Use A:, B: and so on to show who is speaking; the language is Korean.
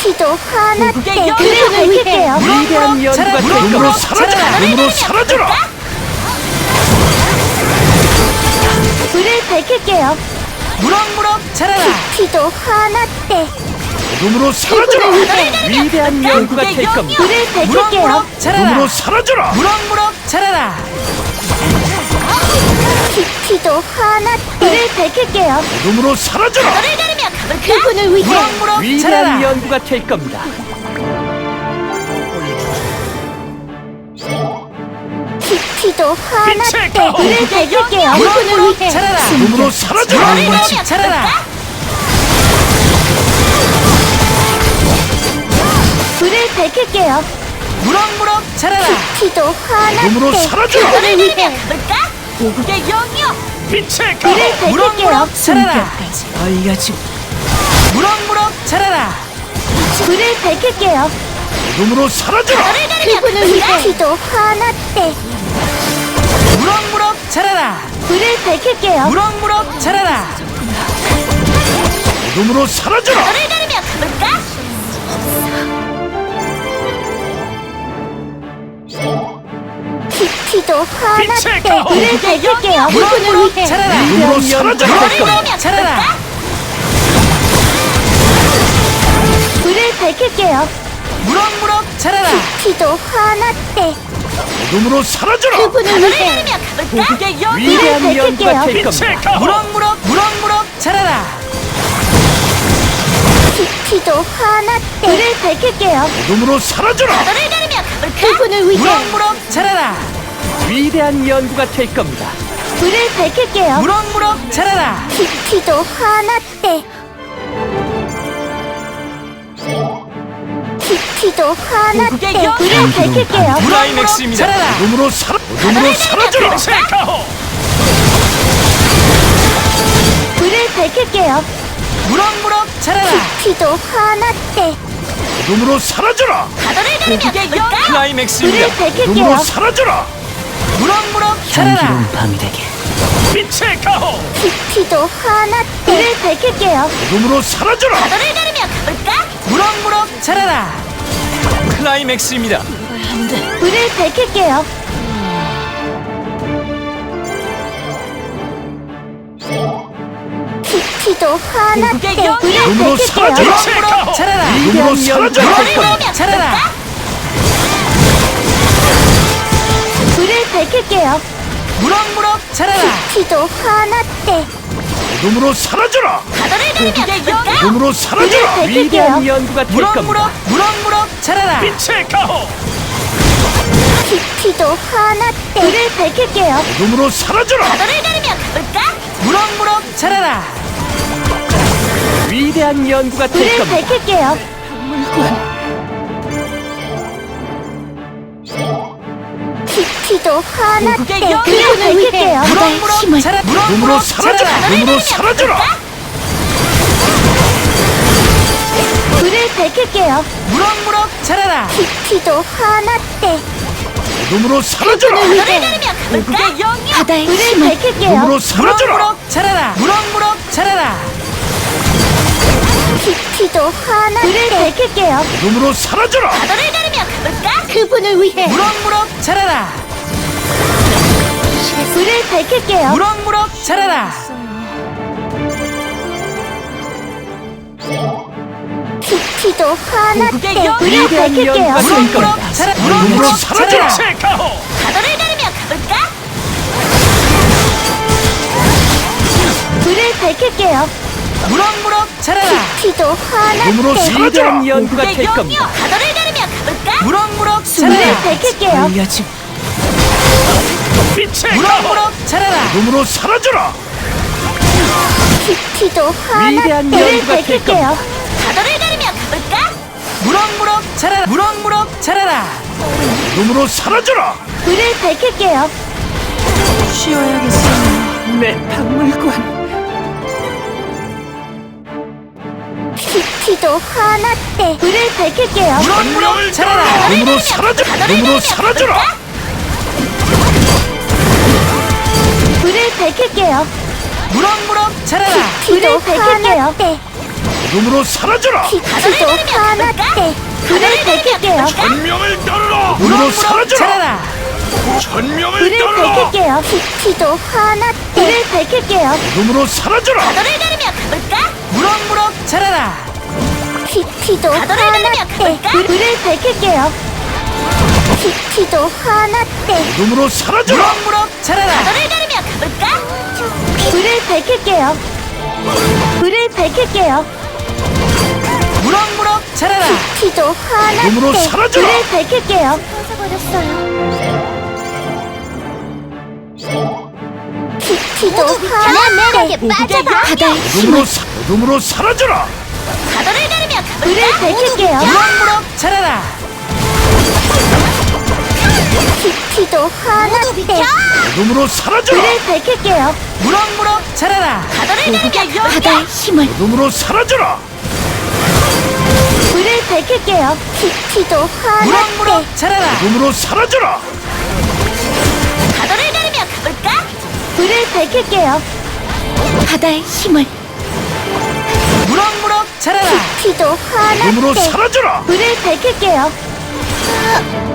A: 피도 화났대.
B: 불을
A: 밝힐게요.
C: 위대한 연구가 될
D: 눈으로
C: 겁니다.
D: 사라져라! 눈으로 사라져라!
A: 불을 밝힐게요.
B: 무럭무럭 자라라.
A: 피도 화났대.
D: 눈으로 사라져라!
C: 위대한 연구가 될 겁니다.
A: 불을 밝힐게요.
B: 무럭무럭 자라라.
D: 눈으로 사라져라!
B: 무럭무럭 자라라.
A: 피도 화났대. 불을 밝힐게요.
D: 눈으로 사라져라!
A: 그분을 위해
B: 무럭무럭
C: 위대한
B: 자라라.
C: 연구가 될 겁니다.
A: 피도 화났대.
D: 빛의
A: 불을 밝힐게요. 그분을
B: 무럭무럭
A: 위해
B: 자라라.
D: 눈으로 사라져라!
B: 무럭무럭 자라라.
A: 불을 밝힐게요.
B: 무럭무럭 자라라.
A: 피도 화났대.
D: 눈으로 사라져라!
A: 그분을 위해
B: 고국의 영이여.
D: 빛의 가호!
A: 불을 밝힐게요.
B: 무럭무럭 자라라.
C: 알려주.
B: 무럭무럭 자라라.
A: 불을 밝힐게요.
D: 눈으로 사라져라!
A: 그분을 위해 피도 화났대.
B: 무럭무럭 자라라.
A: 불을 밝힐게요.
B: 무럭무럭 자라라.
D: 눈으로 사라져라!
A: 피도 화났대.
D: 빛의 가호!
A: 불을 밝힐게요. 그분을
B: 무럭무럭
A: 위해
B: 자라라.
D: 눈으로
C: 위대한 연구가
D: 사라져라!
C: 될 겁니다.
B: 무럭무럭 자라라.
A: 불을 밝힐게요.
B: 무럭무럭 자라라.
A: 피도 화났대.
D: 눈으로 사라져라!
A: 그분을 위해
B: 고국의 영이여.
C: 위대한 연구가 될
D: 빛의
C: 겁니다.
D: 가호!
B: 무럭무럭 자라라.
A: 피도 화났대. 불을 밝힐게요.
D: 눈으로 사라져라!
A: 그분을 위해
B: 무럭무럭 자라라.
C: 위대한 연구가 될 겁니다.
A: 불을 밝힐게요.
B: 무럭무럭 자라라.
A: 피도 화났대. 피도 화났대.
B: 고국의 영.
A: 불을 밝힐게요.
B: 무럭무럭 자라라.
D: 눈으로 사라져라! 빛의 가호!
A: 불을 밝힐게요.
B: 무럭무럭 자라라.
A: 피도 화났대.
D: 눈으로 사라져라!
B: 고국의 영.
C: 클라이맥스입니다.
A: 불을 밝힐게요.
D: 눈으로 사라져라!
B: 무럭무럭 자라라.
C: 밤이 되게.
D: 빛의 가호!
A: 피도 화났대. 불을 밝힐게요.
D: 눈으로 사라져라!
B: 무럭무럭 자라라.
C: 클라이맥스입니다.
A: 불을 밝힐게요. 피도 화났대.
B: 고국의 영.
A: 불을
D: 눈으로
A: 밝힐게요.
D: 사라져라!
B: 무럭무럭 자라라.
D: 눈으로
C: 위대한 연구가
D: 사라져라!
C: 될 겁니다.
B: 무럭무럭 자라라.
A: 불을 밝힐게요.
B: 무럭무럭 자라라.
A: 피도 화났대.
D: 눈으로 사라져라!
B: 고국의 영.
D: 눈으로
A: 불을
D: 사라져라!
A: 밝힐게요.
C: 위대한 연구가 될 겁니다.
B: 무럭무럭 자라라.
D: 빛의 가호!
A: 피도 화났대. 불을 밝힐게요.
D: 눈으로 사라져라!
B: 무럭무럭 자라라.
C: 위대한 연구가 될
A: 불을
C: 겁니다.
A: 밝힐게요. 피도 화났대.
B: 고국의 영.
A: 불을 밝힐게요.
B: 무럭무럭 자라라.
D: 눈으로
B: 무럭무럭
D: 사라져라!
B: 자라라.
D: 눈으로 사라져라!
A: 불을 밝힐게요.
B: 무럭무럭 자라라.
A: 피도 화났대.
D: 눈으로 사라져라!
B: 고국의 영.
A: 불을 밝힐게요.
D: 눈으로 사라져라!
B: 무럭무럭 자라라. 무럭무럭 자라라.
A: 피도 화났대. 불을 밝힐게요.
D: 눈으로 사라져라!
A: 그분을 위해
B: 무럭무럭 자라라.
A: 불을 밝힐게요.
B: 무럭무럭 자라라.
A: 피도 화났대.
B: 고국의 영.
A: 불을
C: 위대한
A: 밝힐게요.
C: 연구가 될 겁니다.
B: 무럭무럭 자라라.
D: 눈으로
B: 무럭무럭
D: 사라져라!
B: 자라라.
D: 빛의 가호!
A: 불을 밝힐게요.
B: 무럭무럭 자라라.
A: 피도
D: 눈으로
A: 화났대.
D: 사라져라!
C: 위대한 연구가 될
B: 고국의
C: 겁니다.
B: 무럭무럭
A: 불을
B: 자라라.
A: 밝힐게요.
D: 빛의 가호!
B: 무럭무럭 자라라.
D: 눈으로 사라져라!
A: 피도 화났대.
C: 위대한
A: 불을
C: 연구가 될
A: 밝힐게요.
B: 무럭무럭 자라라. 무럭무럭 자라라.
D: 눈으로 사라져라!
A: 불을 밝힐게요.
C: 내 박물관.
A: 피도 화났대. 불을 밝힐게요.
B: 무럭무럭 자라라.
D: 눈으로 사라져라! 눈으로 사라져라!
A: 불을 밝힐게요.
B: 무럭무럭 자라라.
A: 불을 밝힐게요.
D: 어둠으로 사라져라.
A: 빛도 하나 때 불을 밝힐게요.
D: 천명을 따르라. 어둠으로 사라져라.
B: 자라라.
D: 천명을
A: 불을
D: 따르라.
A: 밝힐게요. 빛도 하나 때 불을 밝힐게요.
D: 어둠으로 사라져라.
B: 너를 가르며 가볼까? 무럭무럭 자라라.
A: 빛도
B: 가도를
A: 하나
B: 가르며
A: 때
B: 가볼까?
A: 불을 밝힐게요. 빛도 하나 때
D: 어둠으로 사라져라.
B: 무럭무럭 자라라. 너를 가르며 가볼까?
A: 불을 밝힐게요. 불을 밝힐게요.
B: 무럭무럭 자라라.
A: 빛도 하나
D: 어둠으로
A: 때
D: 사라져라.
A: 불을 밝힐게요. 꺼져버렸어요. 빛도 하나 때 바다의
D: 어둠으로 사라져라.
B: 가도를 가르며
A: 불을
B: 가볼까?
A: 밝힐게요.
B: 무럭무럭 자라라.
A: 빛도 하나 때
D: 어둠으로 사라져라.
A: 불을 밝힐게요.
B: 무럭무럭 자라라. 가도를 가르며
A: 바다의 힘을
D: 어둠으로 사라져라.
A: 불을 밝힐게요. 빛도 하나 때
B: 무럭무럭 자라라.
D: 어둠으로 사라져라.
B: 가도를 가르며 가볼까?
A: 불을 밝힐게요. 바다의 힘을
B: 무럭무럭 자라라.
A: 빛도 하나
D: 어둠으로
A: 때
D: 사라져라.
A: 불을 밝힐게요.